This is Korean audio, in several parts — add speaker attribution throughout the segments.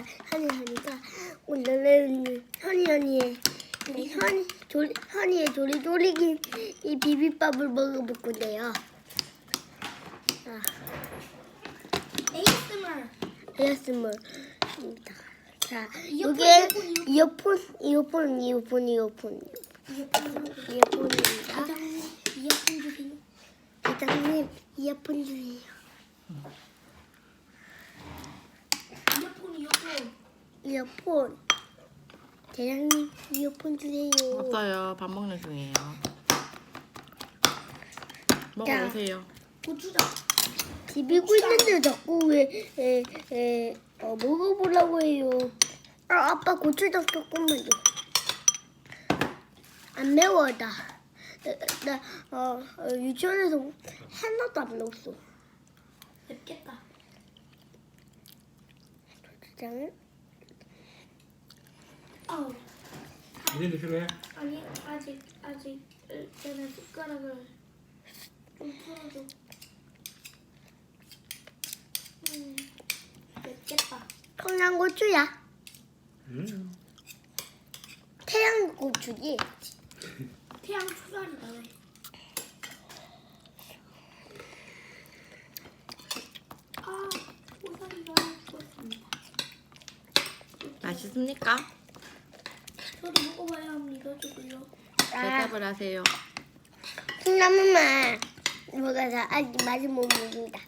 Speaker 1: 현이가 오늘은 현이의 조리조리긴 이 비빔밥을 먹어볼 건데요. ASMR입니다. 자, 이게 이어폰입니다. 대장님, 이어폰 주세요. 이어폰. 대장님, 이어폰 주세요.
Speaker 2: 없어요. 밥 먹는 중이에요. 먹어보세요.
Speaker 3: 고추장.
Speaker 1: 비비고 있는데 자꾸 먹어보라고 해요. 아빠 고추장 조금만 줘. 안 매워 나 유치원에서 하나도 안 넣었어.
Speaker 3: 맵겠다.
Speaker 1: 고추장을
Speaker 3: 아우.
Speaker 4: 이제 필요해?
Speaker 3: 아니 아직 제가 숟가락을 좀 풀어줘. 맵겠다.
Speaker 1: 청양고추야. 태양고추지.
Speaker 3: 태양 초살이다 왜? 아 초살이가 죽었습니다.
Speaker 2: 맛있습니까?
Speaker 3: 저도 먹어봐야 믿어주고요.
Speaker 2: 대답을 하세요.
Speaker 1: 콩나물만 먹어서 아직 맛을 못 먹는다.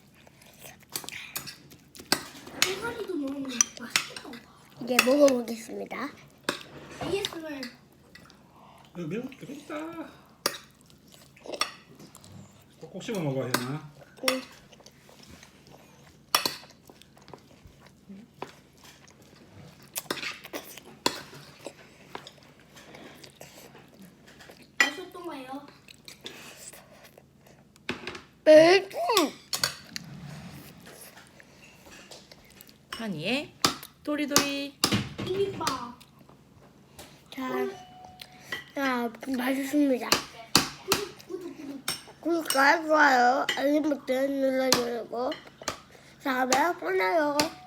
Speaker 3: 초살이도 너무 맛있겠다.
Speaker 1: 이제 먹어보겠습니다.
Speaker 3: ASMR.
Speaker 4: 이거 매운 게 되겠다. 꼭꼭 씹어 먹어야 되나?
Speaker 1: 응.
Speaker 3: 맛있던가요?
Speaker 2: 한이의 도리도리.
Speaker 3: 비빔밥.
Speaker 1: 자, 맛있습니다.
Speaker 3: 구독.
Speaker 1: 구독과 좋아요, 알림 버튼 눌러주고 다음에 보내요.